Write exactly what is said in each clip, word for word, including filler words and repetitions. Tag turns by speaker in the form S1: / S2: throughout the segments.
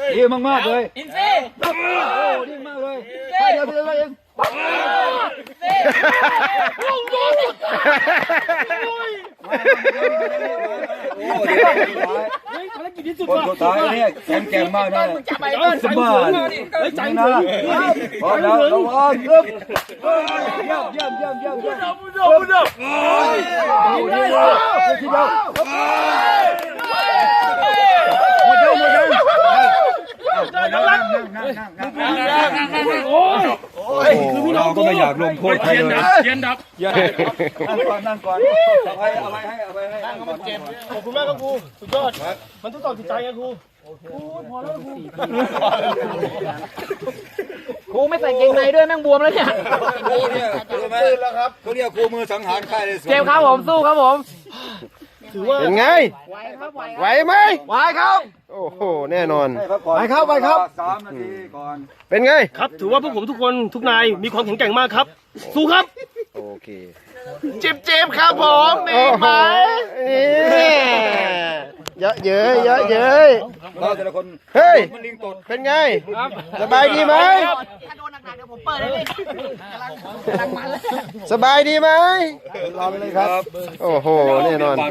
S1: ดีมากมากเลย
S2: อินซี
S1: โอ้ดีมากเลยไปเดี๋ยวเดี๋ยวเองคนสุดท้ายเนี่ยแข็งแกร่งมากนะสบายใจนะพอแล้วระวังครับเยี่ยมเยี่ยมเยี่ยมเยี่ยมเยี่ยมบุญดบุญดโอ้ยทีเดียวทีเดียวหมดแล้วหมดแล้วนั่งนั่งนั่งนั่งนั่งโอ้ยโอ้ยเราก็ไม่อยากลงโทษใครเลย
S2: เย็นดับ
S1: นั่งก่อนนั่งก่อนเอาไปเอาไปให้เอาไปให้นั่งก่อนเจ็บ
S3: ขอบคุณมากครับครูสุดยอดมันทดสอบจิตใจไงครูครูพอแล้วครู
S2: ครูไม่ใส่เกงในด้วยแม่งบวมแล้วเนี่ย
S1: ครูเนี่ยรู้ไหมเขาเรียกครูมือสังหารใครเลย
S2: เจ็บครับผมสู้ครับผม
S3: ถือว่า
S4: เป็นไง
S2: ไหวครับไหว
S4: ไหวไหม
S1: ไหวครับ
S4: โอ้โหแน่นอน
S1: ไปครับไปครับสามนาทีก่อน
S4: เป็นไง
S3: ครับถือว่าพวกผมทุกคนทุกนายมีความแข็งแกร่งมากครับสู้ครับ
S4: โอเค
S2: เจ็บเจ็บครับผมมีไหม
S4: นี่เยอะเย้ยเยอะเย้ย
S1: เราแต่ละคน
S4: เฮ้ยเป็นไงสบายดีไหม
S2: ถ้าโดนหนักๆเดี๋ยวผมเปิดให้เลยกำลังมันแล้ว
S4: สบายดีไหม
S1: รอไปเลยครับ
S4: โอ้โหแน่นอน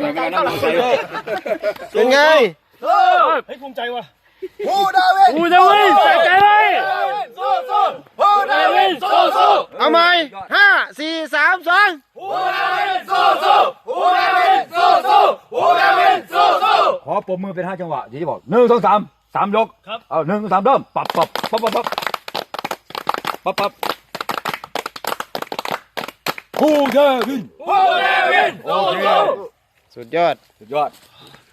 S4: เป็นไง
S3: ให้ภูมิใจว่ะ
S1: พูดดาวิน
S3: พูดดาวินใส่ใจเลย
S1: สู้สู้พูดดาวินสู้สู้
S4: เอาใหม่ห้าสี่สามสอง
S1: พูดดาวินสู้สู้พูดดาวินสู้สู้พูดดาวินสู้สู้ขอปมมือเป็นห้าจังหวะที่จะบอกหนึ่งสองสามสามยก
S3: ครับ
S1: เอาหนึ่งสามเริ่มปับปับปับปับปับปับปับพูดดาวินพูดดาวินโอเค
S4: สุดยอด
S1: สุดยอด